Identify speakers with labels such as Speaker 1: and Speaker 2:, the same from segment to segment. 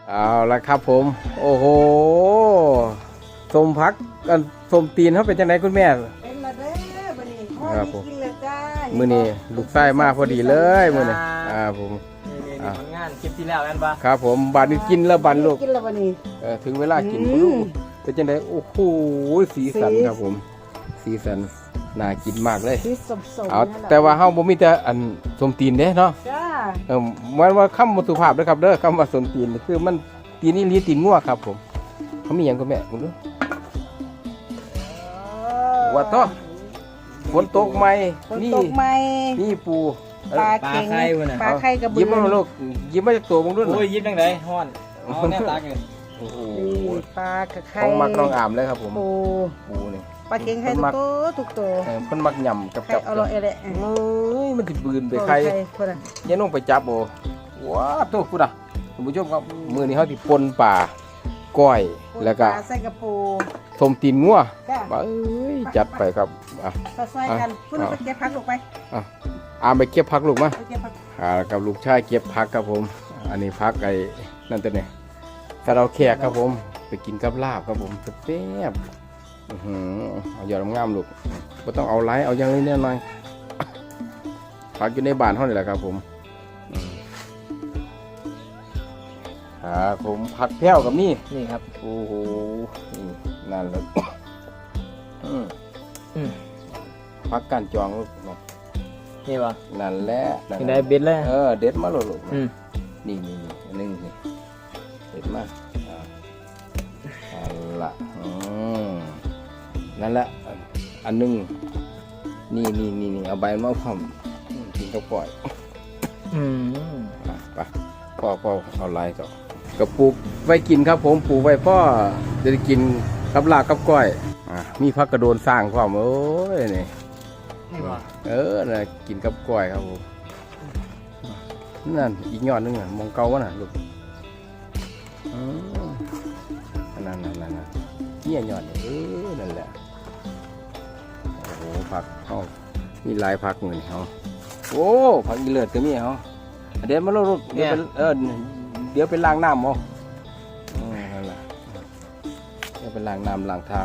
Speaker 1: เอาละครับผมโอ้โหส้มพักกันส้มตีนเขาเป็นจังไดคุณแม่
Speaker 2: เป็นละเด้อบัดนี้พ่อ
Speaker 1: ครับ
Speaker 2: ได้
Speaker 1: ผม
Speaker 2: กินแล้วจ้า
Speaker 1: มื้อนี้ลูกไส้มาพอดีเลยมื้อนี้ผม
Speaker 3: นี่ผลงานคลิปที่แล้วกันปะ
Speaker 1: ครับผมบัดนี้กินแล้วบัดลูก
Speaker 2: กินแล้วบัดนี้
Speaker 1: ถึงเวลากินลูกเป็นจังไดโอ้โหสีสันครับผมสีสันน่ากินมากเลย
Speaker 2: สีสมๆ
Speaker 1: เอา
Speaker 2: นั่นแหละ
Speaker 1: แต่ว่าเฮาบ่มีแต่อันส้มตีนเด้เนาะ
Speaker 2: จ้า
Speaker 1: มันว่าคำบ่สุภาพเด้อครับเด้อคำว่าส้มตีนนี่คือมันตีนนี่ลีตีนงัวครับผมเขามีหยังก็แม่มึงดูว่าต่อฝนตกไหม
Speaker 2: ฝนตกไหม
Speaker 1: นี่ปู
Speaker 2: ปลาเค็งปลาไข่กระเบื
Speaker 1: ยิ้มมาลูกยิ้มมาจากตัวมึงด้วย
Speaker 3: โอ้ยยิ้มจังไดฮ้อนเอาแนวตากัน
Speaker 1: โอ้โห
Speaker 2: นี่ปลากระไข่
Speaker 1: ของมักน้องอามเลยครับผม
Speaker 2: ปู
Speaker 1: ปูนี่
Speaker 2: ปลาเค็งไข่ทุกตัว
Speaker 1: เพิ่นมักยำกับ
Speaker 2: ไข่เอาละเอเละ
Speaker 1: เอ้ยมันสิบืนไปใคร
Speaker 2: คนน่ะ
Speaker 1: ยันลงไปจับโอ้ว้าโตกูด่ะท่านผู้ชมครับมื้อนี้เฮาสิปนป่าก้อยแล้วก็
Speaker 2: ปลาใส่กระปู
Speaker 1: ส้มตีนงัว
Speaker 2: จ้า
Speaker 1: เอ้ยจัดไปครับอ่ะ
Speaker 2: ปลาใส่กันพุ่นเอาไปเก็บผักลงไป
Speaker 1: อามไปเก็บผักลูกมา
Speaker 2: ไปเก็บผัก
Speaker 1: กับลูกชายเก็บผักครับผม อันนี้ผักไอ้นั่นตัวเนี่ยถ้าเราแขกครับผม ไปกินกับลาบครับผมแซ่บๆเอายอดงามๆลูกก็ต้องเอาไลท์เอาอย่างนี้แน่หน่อยผักอยู่ในบ้านเท่านี้แหละครับผมผมผักแพ้วกับนี่
Speaker 3: นี่ครับ
Speaker 1: โอ้โหนั่นแหละผักการจองลูก
Speaker 3: นี่ปะ
Speaker 1: นั่นแหละนั่น
Speaker 3: ยัง
Speaker 1: แห
Speaker 3: ไง
Speaker 1: ละ
Speaker 3: เบ็ดเลย
Speaker 1: เด็ดมาโหลด
Speaker 3: อืม
Speaker 1: นี่อันนึงนี่เด็ดมานั่นละนั่นแหละอันนึงนี่เอาใบมะพร้าวกินข้าวปล่อย ไปพ่อเอาลายต่อกระปุกไว้กินครับผมปลูกไว้พ่อจะได้กินกับลาบกับก้อยมีผักกระโดนสร้างความโอ้ยนี่
Speaker 3: นี่ปะ
Speaker 1: น่ะกินกับกล้วยครับผมนั่นอีกยอดนึงอ่ะมองเก่าวะน่ะลูกนั่นเนี่ยยอดนี่นั่นแหละโอ้โหผักเขามีหลายผักเหมือนเขาโอ้ผักอีเลือดก็มีเขาเดี๋ยวมาลูกเดี๋ยวเดี๋ยวไปล้างน้ำเอานั่นแหละเดี๋ยวไปล้างน้ำล้างเท้า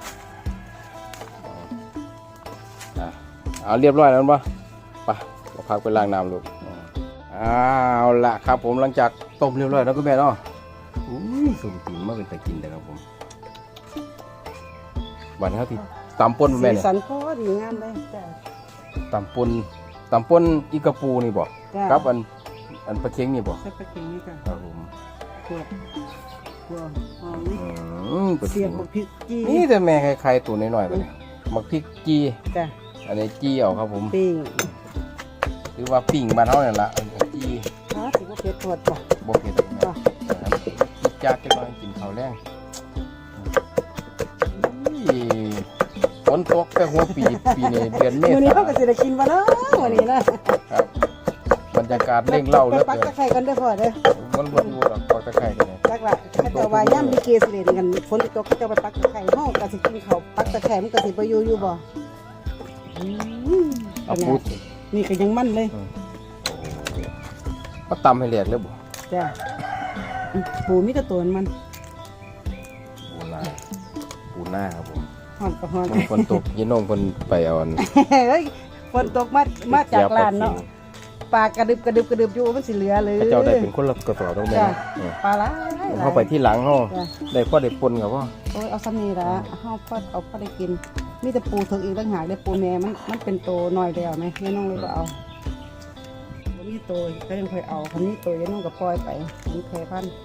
Speaker 1: เอาเรียบร้อยแล้วป่ะไปพักไปล้างน้ำลูกเอาละครับผมหลังจากต้มเรียบร้อยแล้วก็แม่เนาะสุ่มตีนมาเป็นตะกินเลยครับผมวันนี้เขาที่ตำป่นแม่เนี่ย
Speaker 2: สันพอดีงามเลยจ้า
Speaker 1: ตำป่นอีกระปูนี่บ่ครับอันปลาเค็งนี่บ่
Speaker 2: ใส่ปลาเค็งนี่ค่ะ
Speaker 1: ครับผม
Speaker 2: ขวดหอม
Speaker 1: ปลา
Speaker 2: เสี
Speaker 1: เค็
Speaker 2: ย
Speaker 1: ง
Speaker 2: บบักพริกจี
Speaker 1: นี่แต่แม่ใครๆตัวน้อยๆกันเนี่ยมักพริกจี
Speaker 2: จ้า
Speaker 1: อันนี้จีเอาครับผม
Speaker 2: ปิ้ง
Speaker 1: หรือว่าปิ้งบ้านเฮาเนี่ยละอันนี้จี
Speaker 2: สิบ่เผ็ดปวดบ่
Speaker 1: บ่เผ็ดหรอกนะจากจะน้อยกินข้าวแรงฝนตกแต่หัวปีนี้เดือนเม
Speaker 2: มื้อนี้
Speaker 1: ษา
Speaker 2: เฮาก็สิได้กินบ่เนาะมื้อนี้นะครับ
Speaker 1: บรรยากาศเร่งเล่าเหลือ
Speaker 2: ปัก
Speaker 1: เกิน
Speaker 2: ตะไคร้กันเด้อพ่อเด้อ
Speaker 1: มันบ่อยู่หรอกปอกตะไคร้กันเนี่ย
Speaker 2: จักละถ้าเจ้าว่าย่ำลิเกสิเล่นกันฝนตกก็เจ้าไปปักตะไคร้เฮาก็สิกินข้าวปักตะไคร้มันก็สิบ่อยู่บ่
Speaker 1: เอาพูด
Speaker 2: นี่ก็ยังมันเลย
Speaker 1: ก็ตำให้แหลกเลยบ่
Speaker 2: จ้าปูมีแต่ตัวมัน
Speaker 1: ปูหน้าครับผม
Speaker 2: หอนก็หอน
Speaker 1: ฝนตกยีน้องเพิ่นไปเอาอัน
Speaker 2: เฮ้ยฝนตกมาจากร้านเนาะปลากระดึบอยู่มันสิเหลือเลย
Speaker 1: พระเจ้าได้เป็นคนละกระสอบตรงแม่
Speaker 2: จ้า
Speaker 1: เออ
Speaker 2: ปลาหลาย
Speaker 1: เข้าไปที่หลังเฮา
Speaker 2: จ้า
Speaker 1: ได้พ่อได้ปนครับพ่อ
Speaker 2: โอ้ยเอาซ้ำนี่ละเฮาพอเอาพอได้กินมีแต่ปูถึงอีกต่างหากได้ปูแม่มันเป็นโตน้อยแล้วไหมแม่น้องเลยบ่เอาบ่มีโตก็ยังค่อยเอาคันนี้โตยายน้องก็ปล่อยไปมันแพร่พันธุ์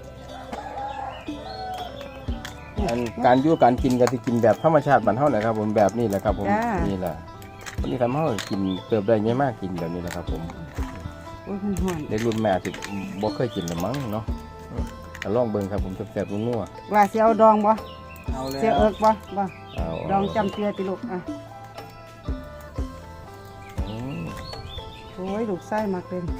Speaker 1: อันการอยู่การกินก็สิกินแบบธรรมชาติบ้านเฮาแหละครับผมแบบนี้แหละครับผมนี่แหละวันนี้ทำให้เรากินเติบได้ง่ายมากกินแบบนี้แหละครับผม
Speaker 2: โอ้ยมันหอน
Speaker 1: ในรุ่นแม่ที่บ่เคยกินหรือมั้งเนาะลองเบิ่งครับผมแซ่บๆนัว
Speaker 2: ว่าสิเอาดองบ่
Speaker 3: เอาเลย
Speaker 2: เสียเอิกบ่
Speaker 1: ๆเอา
Speaker 2: ดองจำเจือติลูกอ่ะ
Speaker 1: อืม
Speaker 2: โอ้ยลูกไส้มากเลย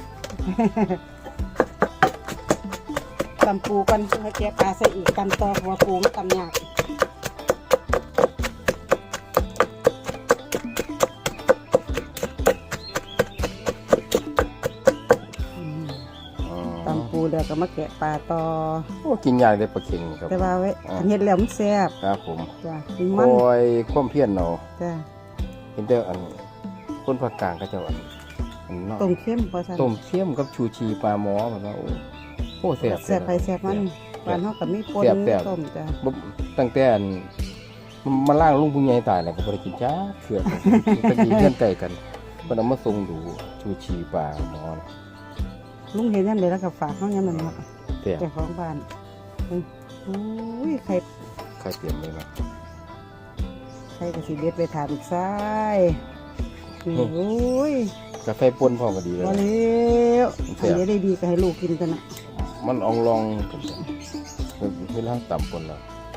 Speaker 2: ตำปูกันให้แกปลาใส่อีกตำต่อหัวปูมันตำยากตำปูเดี๋ยวก็มาแกะปลาต่อ
Speaker 1: โอ้กินยากเลยปลาเค็งครับ
Speaker 2: แต่ว่าไว้อันเฮ็ดแล้วมันแซ่บ
Speaker 1: ครับผม
Speaker 2: จ้ะกิน
Speaker 1: ค
Speaker 2: มัน
Speaker 1: อยความเพียรเนาะ
Speaker 2: จ้ะ
Speaker 1: เห็นแต่อันคนภาคกลางก็จะอันนอก
Speaker 2: ต้มเค็มพอซั่น
Speaker 1: ต้มเสียมกับชูชีปลาหมอแบบว่าโอ้แซ่บ
Speaker 2: แซ่บไปแซ่บมันบ้านเฮาก็มีปน
Speaker 1: แซ่บ
Speaker 2: ต้มจ้ะ
Speaker 1: บ่ตั้งแต่อันมาล่างลุงผู้ใหญ่ตายแล้วก็บ่ได้กินจ้าเถื่อนตะกี้เพื่อนไก่กันเพิ่นเอามาส่งดูชูชีปลาหมอนะ
Speaker 2: ลุงเห็นยามใดแล้วก็ฝากเฮายามนั้นเนาะ
Speaker 1: แซ่บ
Speaker 2: เจ้าของบ้านอุ้ยไข่
Speaker 1: ใครเตรียมเลยนะ
Speaker 2: ไข่ก็สิเด็ดไปถามอีกซ้ายนี่โอ้ย
Speaker 1: กาแฟป่นพร้อมก็ดีเลย
Speaker 2: บ่
Speaker 1: นะ
Speaker 2: แล้วอันนี้ได้ดีก็ให้ลูกกินกันน่ะ
Speaker 1: มันอองลองกันจ้ะเวลาต่ำป่นแล้ว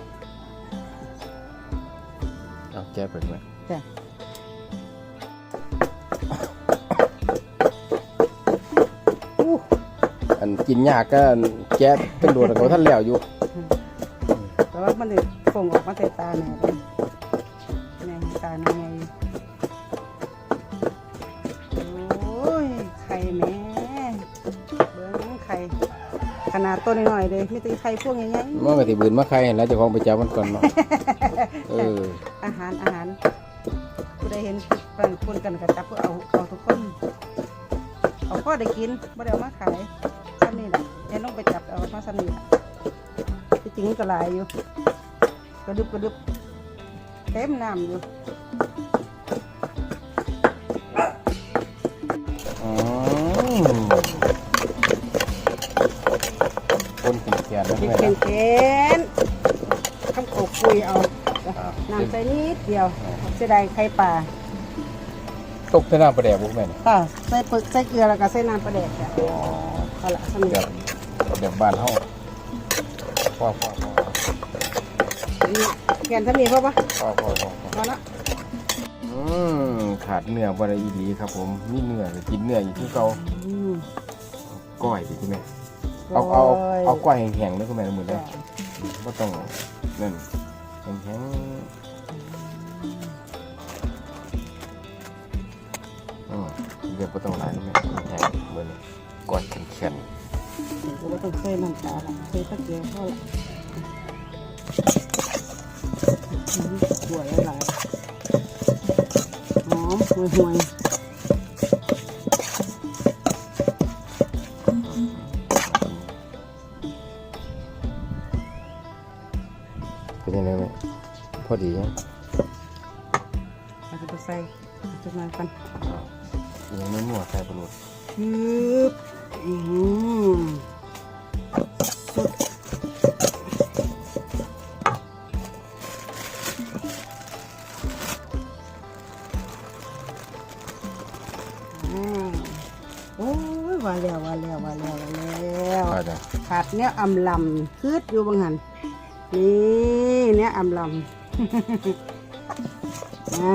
Speaker 1: เอาแก้ไปไหม
Speaker 2: จ้ะ
Speaker 1: อันกินยากก็แก้เป็นโดดเขาท่านแล้วอยู่
Speaker 2: แต่ว่ามันได้ส่งออกมาแต่ตาแหน่เลยแหน่ตาแหน่ไงโอ้ยไข่แหม่เบิ้งไข่ขนาดตัวน้อยๆเลยมีแต่ไข่พวกใหญ่
Speaker 1: มันก็สิบืนมาใครเห็นแล้วเจะคองไปจับมันก่อนเนาะเออ
Speaker 2: ๆอาหารผู้ใดเห็นปั่นคนกันก็จับเพื่อเอาทุกคนเอาพ่อได้กินไม่ได้เอามาขายซ้ำนี่แหละแอนต้องไปจับเอามาซ้ำนี่แหละที่จริงมันก็หลายอยู่กระดึบเต็มน้ำอยู่
Speaker 1: อืมคนกินแกนนะ
Speaker 2: กิน
Speaker 1: แม่
Speaker 2: เค็
Speaker 1: นะ
Speaker 2: มเค็มข้าวโขกคุยเอาน้ำใส่นิดเดียวเสียดายไข่ปลา
Speaker 1: ตกใส่น้ำปลาแดกบุกแม่น
Speaker 2: ค่ะใส่ปึกใส่เกลือแล้วก็ใส่น้ำปลาแดกจ้ะ
Speaker 1: อ๋อ
Speaker 2: เอาละซ้ำนี่
Speaker 1: แบบบ้านเฮาพ่อ
Speaker 2: นี่แกนซ้ำนี่พอปะ
Speaker 1: พอ
Speaker 2: พอละ
Speaker 1: ขาดเนื้อบ่ได้อีหลีครับผมมีเนื้อก็กินเนื้ออยู่ที่เก่า
Speaker 2: อืม
Speaker 1: ก้อยดิคุณแม่เอาก้อยแห้งๆเด้อคุณแม่มื้อนี้
Speaker 2: จ้ะ
Speaker 1: บ่ต้องนั่นแห้งเดี๋ยวบ่ต้องหลายแม่แห้งมื้อนี้ก้อยแข็ง
Speaker 2: เราต้องใส่น้ำตาละใส่ตะเกียบพอละหัวหลายหอมห่วย
Speaker 1: ๆเป็นยังไงแม่พอดียัง
Speaker 2: ๆเราจะไปใส่จะมากัน
Speaker 1: ยังไม่มั่วใส่ปลาโลด
Speaker 2: ชืบสุดโอ้ยว่าแล้ว
Speaker 1: ก็จะ
Speaker 2: ขาดเนี้ยอำลำคืดอยู่บางหันนี่เนี้ยอำลำ นะ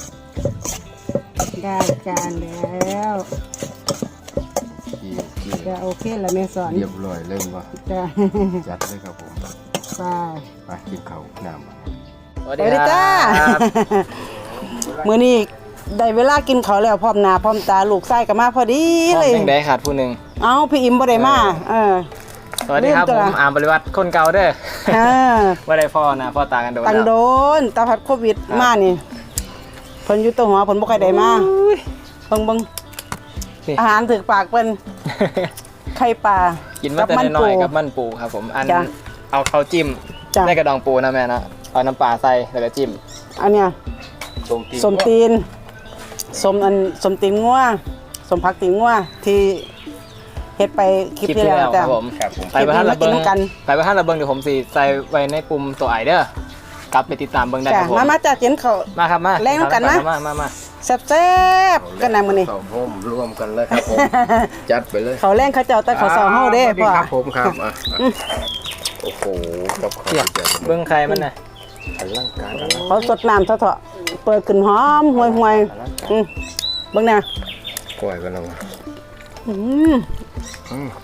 Speaker 2: ได้จานแล้ว
Speaker 1: กี่
Speaker 2: จะโอเคแล้วแม่สอน
Speaker 1: เรียบร้อยเริ่มว่า
Speaker 2: จะ
Speaker 1: จัดเลยครับผม
Speaker 2: ไป
Speaker 1: ไปกินข้าวน้ำ
Speaker 3: สวัส
Speaker 2: เดี๋
Speaker 3: ดี
Speaker 2: ยว
Speaker 3: ค
Speaker 2: จ้า
Speaker 3: รับ
Speaker 2: มื้อนี้ได้เวลากินข้าวแล้วพร้อมหน้าพร้อมตาลูกไส้ก็มาพอดี
Speaker 3: พร้อม
Speaker 2: เลย
Speaker 3: จังได้ขาดผู้หนึ่ง
Speaker 2: เอาพี่อิมบ่ได้มาอ
Speaker 3: สวัสดีครับ
Speaker 2: ลืมตั
Speaker 3: ผ
Speaker 2: ว
Speaker 3: มอาร์มบริวัตรคนเก่าเด้อ
Speaker 2: อ่า
Speaker 3: ว่าได้พ่อนะพ่อตากันโดน
Speaker 2: ตัง
Speaker 3: แล้ว
Speaker 2: โดนตาพัดโควิดมานี่เพิ่นอยู่ตัวหัวเพิ่นบ่ค่อยได้มาเบิ่งอาหารถึกปากเพิ่นไข่ปลา
Speaker 3: กินมาแต่น้อยๆกับมันปูครับผมอัน
Speaker 2: จ้ะ
Speaker 3: เอาข้าวจิ้ม
Speaker 2: จ้ะ
Speaker 3: ในกระดองปูนะแม่นะเอาน้ำปลาใส่แล้วก็จิ้ม
Speaker 2: อันเนี้ย สมตีนสมตีนงัวสมผักตีนงัวที่เฮ็ดไปคลิปที่แล้ว
Speaker 3: ค
Speaker 2: จ้ะ
Speaker 3: รับผม
Speaker 1: ครับผม
Speaker 3: ไปประท่านระเบิง
Speaker 2: คลิปนี้มากินกัน
Speaker 3: ไปประท่านระเบิงเดี๋ยวผมสิใส่ไว้ในปุ่มตัวไอเด้อกลับไปติดตามเบิ่งได้
Speaker 2: จ้ะ
Speaker 3: ครับผม
Speaker 2: มาจ้ะเจนเขา
Speaker 3: มาครับมา
Speaker 2: แรงกันนะ
Speaker 3: มา
Speaker 2: แซ่บๆกันนะมื้อนี้
Speaker 1: สองโฮมรวมกันเลยครับผม จัดไปเลย
Speaker 2: เขาแรงเขาเจ้าแต่เขาสอเฮาเด้
Speaker 1: สวัส
Speaker 2: พ่อ
Speaker 1: ครับผมครับโอ้โหกับข้าว
Speaker 3: เทียบ
Speaker 1: เจียว
Speaker 3: เบิ่งใครมันน่ะ
Speaker 1: อลังการอลัง
Speaker 2: เขาสดน้ำเถาะๆเปิดขึ้นหอมห่วยๆเบิ่งน่ะ
Speaker 1: กล้วยกันแล้ว
Speaker 2: อืม
Speaker 1: อืม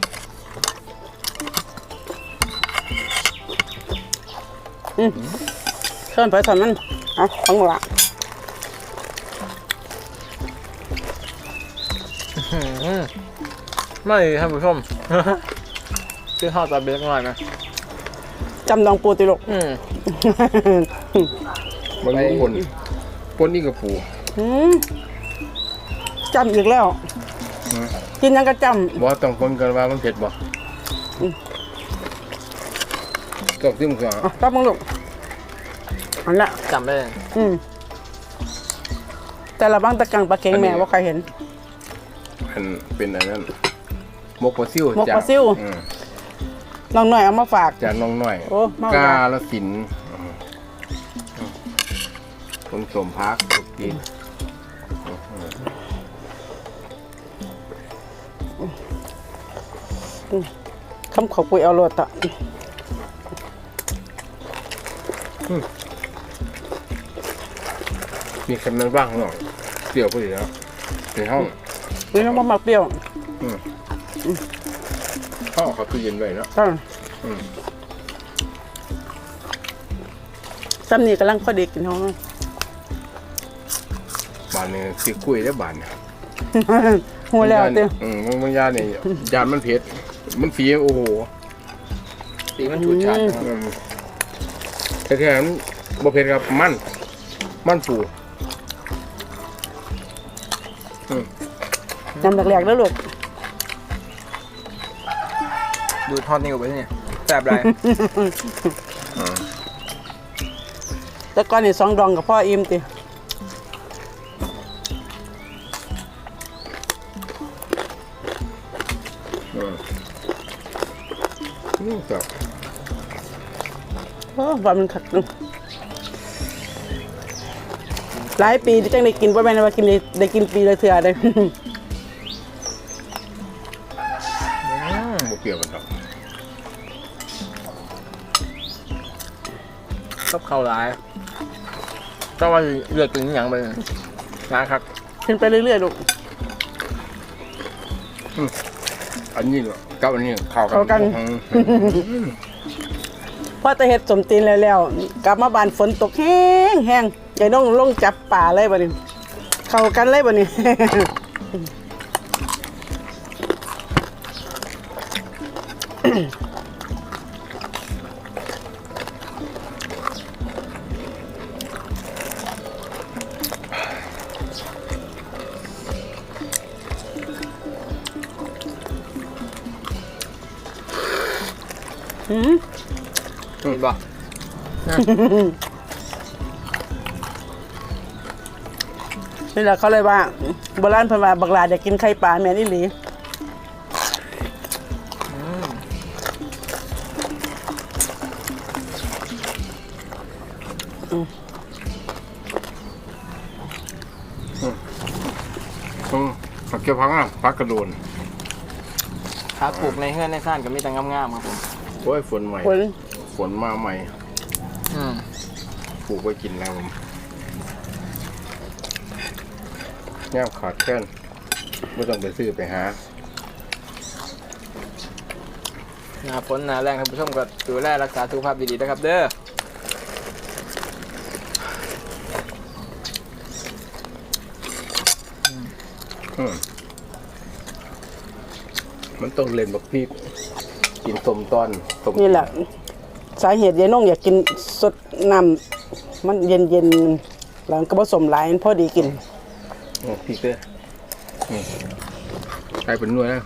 Speaker 2: เชิญไปสอนมันเอาของหละ
Speaker 3: ไม่ท่านผู้ชมคือทอดตอนเล็กน้อยไหม
Speaker 2: จำดองปูติลูก
Speaker 1: บางคนปนนี่กับปู
Speaker 2: จำอีกแล้ว กินยังก็จ
Speaker 1: บ่ต้องคนกันว่ามันเผ็ดบ่ต้องซิมก่อน
Speaker 2: ำต้องมึงลูกอันละ
Speaker 3: จำได้เลย
Speaker 2: แต่ละบ้างตะกังปลาเค็งแม่ว่าใครเห็น
Speaker 1: อันเป็นอันนั้นมกปลาซิว
Speaker 2: มกปลาซิ่ว น้องหน่อยเอามาฝาก
Speaker 1: จากน้องน้อย
Speaker 2: โอ้เมาก
Speaker 1: าลสินธุ์คนสมพักกิน
Speaker 2: คำขอบคุยเอาโลดต่อ
Speaker 1: มีคำนั้นบ้างหน่อยเปรี้ยวพอดีแล้วในห้อง
Speaker 2: นี่น้องมาเปรี้ยว
Speaker 1: ห้องเขาตู้เย็นไว้เนาะ
Speaker 2: ก็ซ้ำนี่กำลังพอดีกินท้อง
Speaker 1: บานเนี่ยสิคุยได้บานเนี่ย
Speaker 2: หัวแล้วเตี้ย
Speaker 1: บางยาเนี่ยยานมันเผ็ดมันสีโอ้โห
Speaker 3: สีมันฉูดฉาด
Speaker 1: แท้ๆมันบ่เผ็ดครับมันปู
Speaker 2: จำแหลกๆแล้วลูก
Speaker 3: ดูทอดนิ้วไปที่นี่แซ่บไร
Speaker 2: แต่ก่อนนี่2 ดองกับพ่ออิ่มติ
Speaker 1: ครับ
Speaker 2: โอ้ว่ามันขัดหลายปีที่จังได้กินว่าแม่นว่ากินได้กินปีละเทื่อเลย
Speaker 1: บ่เปรี้ยวกันดอก
Speaker 3: ชอบเข้าร้ายต้องว่าเลือกกินอย่างไปร้านครับ
Speaker 2: ขึ้นไปเรื่อยๆลูก
Speaker 1: อันนี้กับอันนี้เข้า
Speaker 2: เข้ากัน พอจะเฮ็ดสมตีนแล้วกลับมาบ้านฝนตกแห้งๆยายน้องลงจับป่าเลยบัดนี้ เข้ากันเลยบัดนี้
Speaker 3: เห็นป่ะ
Speaker 2: นี่แหละเขาเลยว่าโบราณเพิ่นว่าบักหลาอยากกินไข่ปลาแม่นอีหลี
Speaker 1: ผักเกี๊ยวพังอ่ะพักกระโดน
Speaker 3: ถ้าปลูกในเฮือนในซ่านก็มีแต่งามๆครับผม
Speaker 1: โอ้ยฝนใหม่
Speaker 2: ฝน
Speaker 1: ฝนมาใหม่ปลูกไว้กินแล้วผมย่ามขาดแค่นไม่ต้องไปซื้อไปหา
Speaker 3: หน้าฝนหน้าแรงท่านผู้ชมก็ดูแลรักษาสุขภาพดีๆนะครับเด้อ
Speaker 1: มันต้องเล่นบักพริกกินต้มตอนต้ม
Speaker 2: นี่แหละสาเหตุยายน้องอยากกินสดน้ำมันเย็นๆแล้วก็ผสมหลายพอดีกิน
Speaker 1: พริกเด้อใส่เป็นหน่วยแล้ว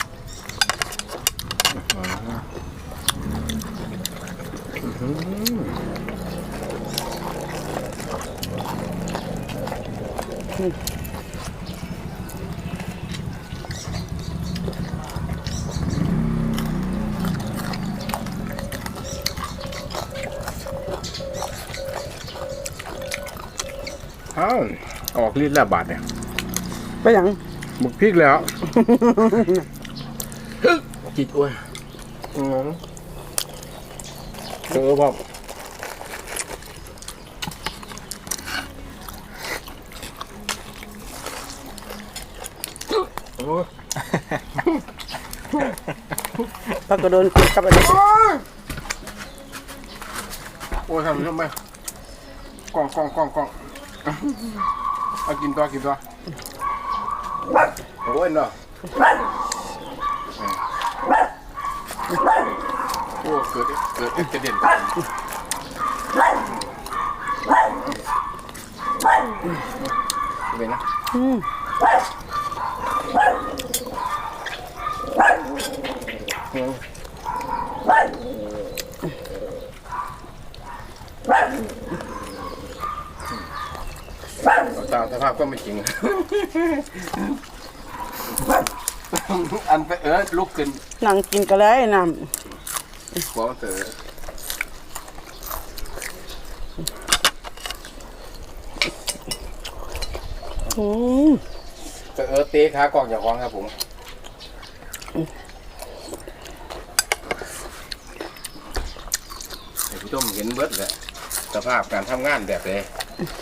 Speaker 1: ออกฤทธิ์แล้วบาดเนี่ย
Speaker 2: ไปหยัง
Speaker 1: บุกพริกแล้ว จิตอ้วนพ่อโอ้
Speaker 2: ปลากระโดนกินกับอันนี้
Speaker 1: โอ้ทำทำไมกล่องเอากินตัวโอ้ยเนาะอ้เกิดอุบัติเหตุเป็นนะตามสภาพก็ไม่จริงอันไปลุกขึ้น
Speaker 2: นั่งกินก็เลยน้ำ
Speaker 1: หัวมันเต๋อเตะขากล่องอย่าคล้องครับผมผู้ชมเห็นเบิดเลยสภาพการทำงานแบบเลย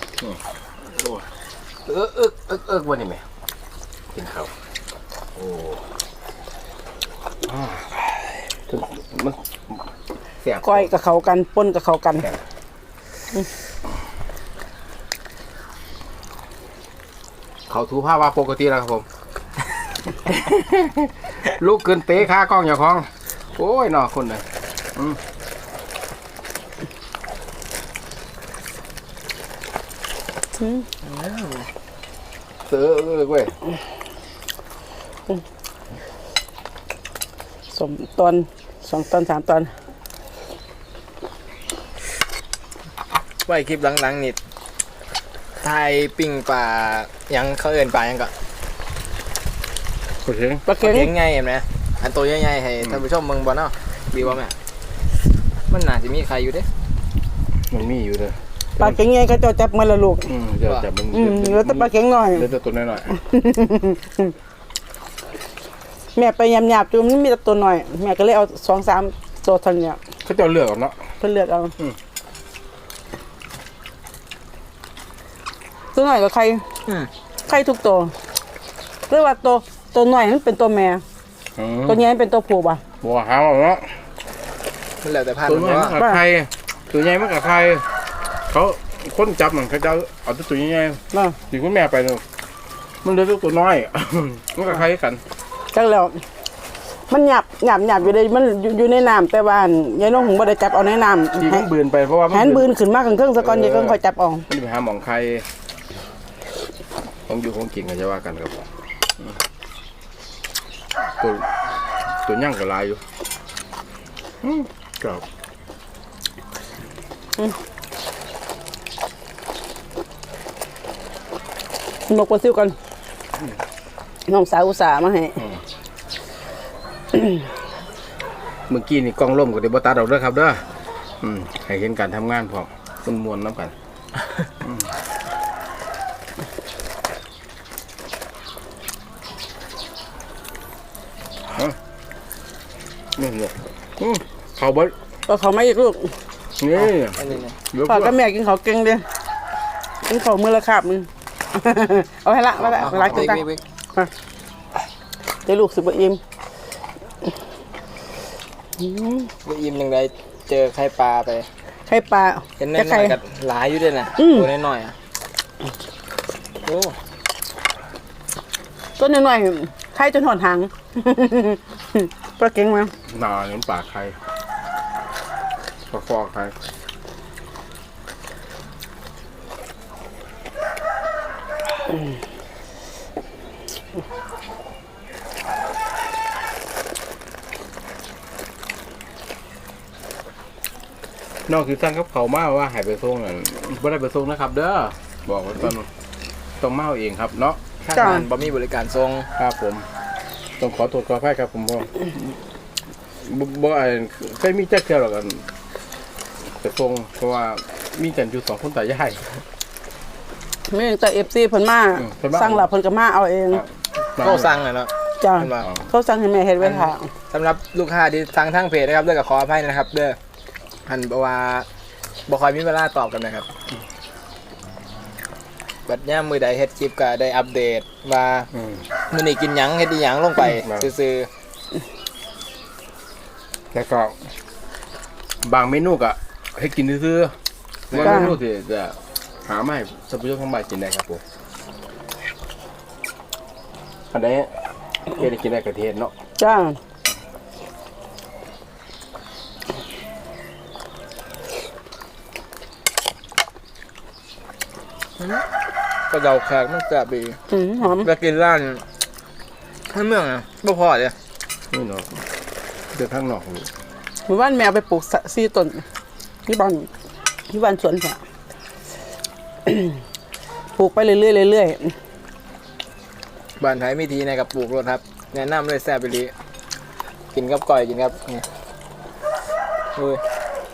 Speaker 1: วันนี้ไหมกินข้าวโอ้มันเสียบ
Speaker 2: ก้อยกับเขากันป่นกับเขากัน
Speaker 1: เขาถูผ้าว่าปกติแล้วครับผม ลูกเกินเตะขากล้องอย่าคล้องโอ้ยนอคนเลยเสือเว้ย
Speaker 2: สมตอน2 ตอน 3 ตอน
Speaker 3: ไว้คลิปหลังๆนี่ทายปิ้งปลายังเขาเอิ้นปลายังก็
Speaker 1: โอเค
Speaker 2: ปลาเค็ง
Speaker 3: เลี้ยงง่ายเห็นไหมอันตัวใหญ่ๆให้ท่านผู้ชมเมืองบ่เนาะดีว่าแม่มันน่าจะมีใครอยู่เด้
Speaker 1: มันมีอยู่เลย
Speaker 2: ปลาเค็งไงเขาจะจับมาละลูก
Speaker 1: จะจับมัน
Speaker 2: แล้วแต่ปลาเค็งหน่อย
Speaker 1: เลือดตัวน้อย
Speaker 2: แม่ไปยำหยาบๆจูมันมีแต่ตัวหน่อยแม่ก็เลยเอา2-3 ตัวเท่านี้
Speaker 1: ๆเขาจะเลือกเอาเนาะ
Speaker 2: เพิ่นเลือกเอาตัวหน่อยกับใครทุกตัวเรียกว่าตัวหน่อยมันเป็นตัวแม่ตัวใหญ่มันเป็นตัวผู้ป่ะ
Speaker 1: บัวหาวเนาะ
Speaker 3: มันแล้วแต่พัน
Speaker 1: ตัว
Speaker 3: ธุ์
Speaker 1: ใหญ่
Speaker 3: เนาะ
Speaker 1: มันกับใครตัวใหญ่มันกับใครเขาคนจับมันเขาจะเอาตัวใหญ่
Speaker 2: เนาะ
Speaker 1: ๆถึงคุณแม่ไปเนาะมันเหลือตัวน้อย มันกับใครกัน
Speaker 2: จังแล้วมันหยาบอยู่ในมันอยู่ในน้ำแต่ว่ายายน้องหงบ่ได้จับเอาในน้ำ
Speaker 1: ที่มันบืนไปเพราะว่า
Speaker 2: แหนบืนขึ้นมาเครื่องซะก่อนยายก็ค่อยจับเอา
Speaker 1: มันไปหาหมองใครของอยู่ของกินกันจะว่ากันครับตัวย่างกับลายอยู่ครับ
Speaker 2: นกปลาซิวกันน้องสาวอุตส่าห์มาให้
Speaker 1: เมื่อกี้นี่กล้องล่มกับเดบตัดเอาด้วยครับเด้อให้เห็นการทำงานพอมันมวนน้ำกันนี่เนี่ยเขาบด
Speaker 2: ก็เขาไม่อีกลูก
Speaker 1: นี่
Speaker 3: อันนี้นะ
Speaker 1: เดี๋ยว
Speaker 2: พ่อกับแม่กินเขาวเก่งเด้กินเขาวมือละคาบนึง เอาให้ละมาละรักจัง
Speaker 3: วิก
Speaker 2: เดี๋ยวลูกสิบ่อิ่ม
Speaker 3: อิ่มยังไงเจอไข่ปลาไป
Speaker 2: ไข่ปลา
Speaker 3: เห็น
Speaker 2: จะ
Speaker 3: น้
Speaker 2: ไข่
Speaker 3: อยๆกับหลายอยู่ด้วยนะตัวน้อยๆอ่ะโอ้
Speaker 2: ต้นน้อยๆไข่จนหอนหาง ปลาเก่งมา
Speaker 1: หนาเน้ำปากใครปลาคอใครนอกคือสั่งกับเขามาว่าหายไปส่งอ่ะไม่ได้ไปส่งนะครับ เด้อบอกไว้ก่อนต้องมาเอาเองครับเนาะ
Speaker 3: ข้างงานบ่มีบริการส่ง
Speaker 1: ครับผมต้องขอโทษขออภัยครับผมพ่อบ่เคยมีแจ็คเที่ยวหรอกกันแต่ส่งเพราะว่ามีกันอยู่2 คนตายาย
Speaker 2: ไม่แต่ FC เพิ่นมา
Speaker 1: เพิ่นมา
Speaker 2: สั่งแล้วเพิ่นก็มาเอาเอง
Speaker 3: ก็สั่งเลยเนาะ
Speaker 2: จ้า
Speaker 3: เห็นป่ะ
Speaker 2: เขาสั่งให้แม่เฮ็ดไว้ค่ะ
Speaker 3: สำหรับลูกค้าที่สั่งทางเพจนะครับเด้อกับขออภัยนะครับเด้อหันบอกว่าบ่ค่อยมีเวลาตอบกันนะครับบัดย่ามมือใดเฮ็ดคลิปก็ได้อัปเดตว่ามื้อนี้กินหยังเฮ็ดอีหยังลงไปซื่อ
Speaker 1: แล้วก็บางเมนูก็ให้กินซื่อๆบางเมนูที่จะหามาให้ท่านผู้ชมทางบ้านกินได้ครับผมอันนี้ได้กินได้กระเทียมเนาะ
Speaker 2: จ้า
Speaker 3: กระเดาแขกมันแซ่บดี
Speaker 2: หอม
Speaker 3: ไปกินร้านข้างเมืองอ่ะบ่พอเลย
Speaker 1: นี่เนาะเดือดข้างนอกนี่
Speaker 2: หมู่บ้านแมวไปปลูก4 ต้นที่บ้านสวนค่ะ ปลูกไปเรื่อยๆเรื่อย
Speaker 3: บ้านไทยมีทีในกับปลูกรถครับแนะนำเลยแซ่บไปดีกินกับก่อยกินครับนี่อุ้ย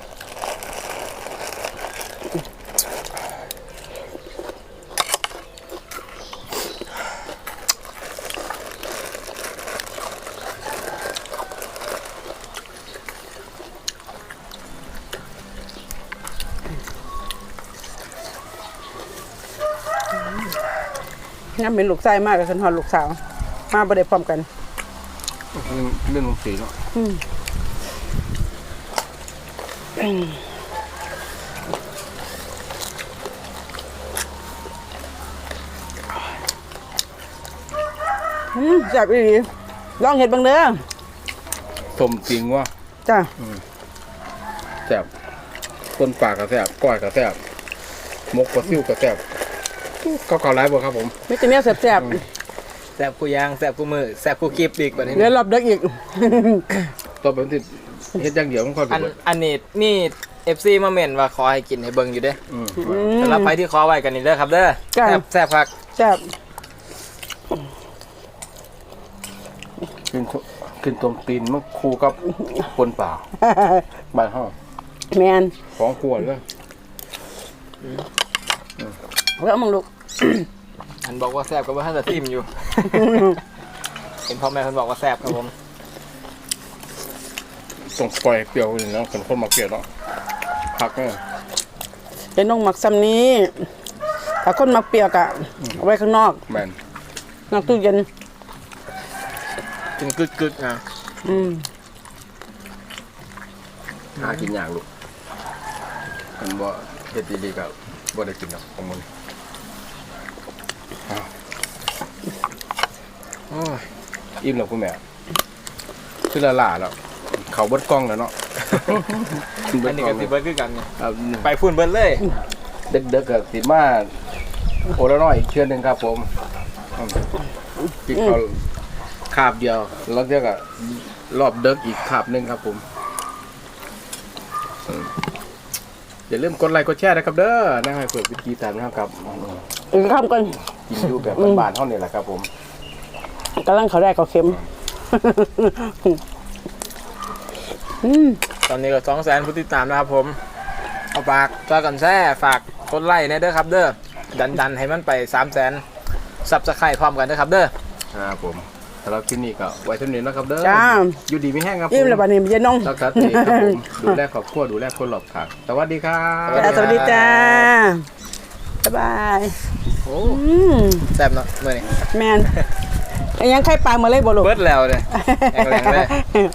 Speaker 2: ๆงั้นเป็นลูกไส้มากกับฉันหอดลูกสาวมาบ่ได้พร้อมกัน
Speaker 1: เรื่องลงสีเนาะ
Speaker 2: แซ่บอีหลีลองเห็ดบังเด้อ
Speaker 1: สมจริงว่า
Speaker 2: จ้า
Speaker 1: แซ่บต้นปากก็แซ่บก้อยก็แซ่บมกปลาซิ่วก็แซ่บเขาไล่บ่ครับผม
Speaker 2: มิตรเนี้ยแซ่บ
Speaker 3: แซ่บกูยางแซ่บกูมือแซ่บกูกิบอีกแบบนี้
Speaker 2: ๆเดี๋ยวรอบเด็กอีก
Speaker 1: ตัวเป็นที่เฮ็ดอย่างเดียวมันค่อย
Speaker 3: อัน
Speaker 1: เบิด
Speaker 3: อันนี้มี FC มาเม่นว่าขอให้กินให้เบิ่งอยู่เด้ สำหรับใครที่ขอไว้กันนี่เด้อครับเด้อ
Speaker 2: จ้ะ
Speaker 3: แซ่บครับ
Speaker 2: แซ่บ
Speaker 1: กินต้มตีนมันคู่กับปนป่าบ้านเฮา
Speaker 2: แมน
Speaker 1: ของขวดเลย
Speaker 2: แล้วมึงลูก
Speaker 3: อันบอกว่าแซ่บก็ว่าท่านจะทิมอยู่ เห็นพ่อแม่เพิ่นบอกว่าแซ่บครับผม
Speaker 1: ต้องปล่อยเปรี้ยวนี่เนาะคนมาเปรี้ยวเนาะผักเนี่ย
Speaker 2: เดี๋ยวน้องหมักซ้ำนี้ถ้าคนมักเปียกอะเอาไว้ข้างนอก
Speaker 1: แมน
Speaker 2: นอกตู้เย็น
Speaker 3: กินกึกๆนะ
Speaker 1: หากินยากลูกมันบ่เฮ็ดดีๆก็บ่ได้กินหรอกของมัน
Speaker 3: โอ้ย
Speaker 1: อิ่มแล้วคุณแม่คือละล่าแล้วเขาเบิดกล้องแล้วเนาะ
Speaker 3: อันนี้ก็สิเบิดคือกันเนี่ย
Speaker 1: ครับ
Speaker 3: ไปฝุ่นเบิดเลย
Speaker 1: เด็กๆก็สิมาโอละน้อยอีกเชือนหนึงครับผมกินเขาคาบเดียวแล้วเดี๋ยวก็รอบเด็กอีกคาบหนึงครับผมอย่าลืมกดไลค์กดแชร์นะครับเด้อนะให้เปิดวิธีการนะครับ
Speaker 2: อีกคำกัน
Speaker 1: กินอยู่แบบบ้านๆเท่านี้แหละครับผม
Speaker 2: กำลังเขาแรกเขาเค็ม
Speaker 3: ตอนนี้ก็200,000ผู้ติดตามนะครับผมเอาฝากจอยกันแซ่ฝากกดไลค์ในเด้อครับเด้อดันให้มันไป300,000ซับสไครต์พร้อมกันเด้อครับเด้อ
Speaker 1: ครับผมสำหรับคลิปนี้ก็ไว้เท่านี้นะครับเด้อ
Speaker 2: จ้า
Speaker 1: อยู่ดีไม่แห้งครับผม
Speaker 2: อิ่มแล้วบัดนี้เย็นน้อง
Speaker 1: รักษาตัวเองครับผมดูแลครอบครัวดูแลคนรอบข้างสวัสดีครับ
Speaker 2: จ้าสวัสดีจ้า บ๊ายบาย
Speaker 3: โอ้แซ่บเนาะมื้อนี้
Speaker 2: แมน ยังไข่ปลามาเลยบ่ลูก
Speaker 3: เบิดแล้วเลยแรงๆเลย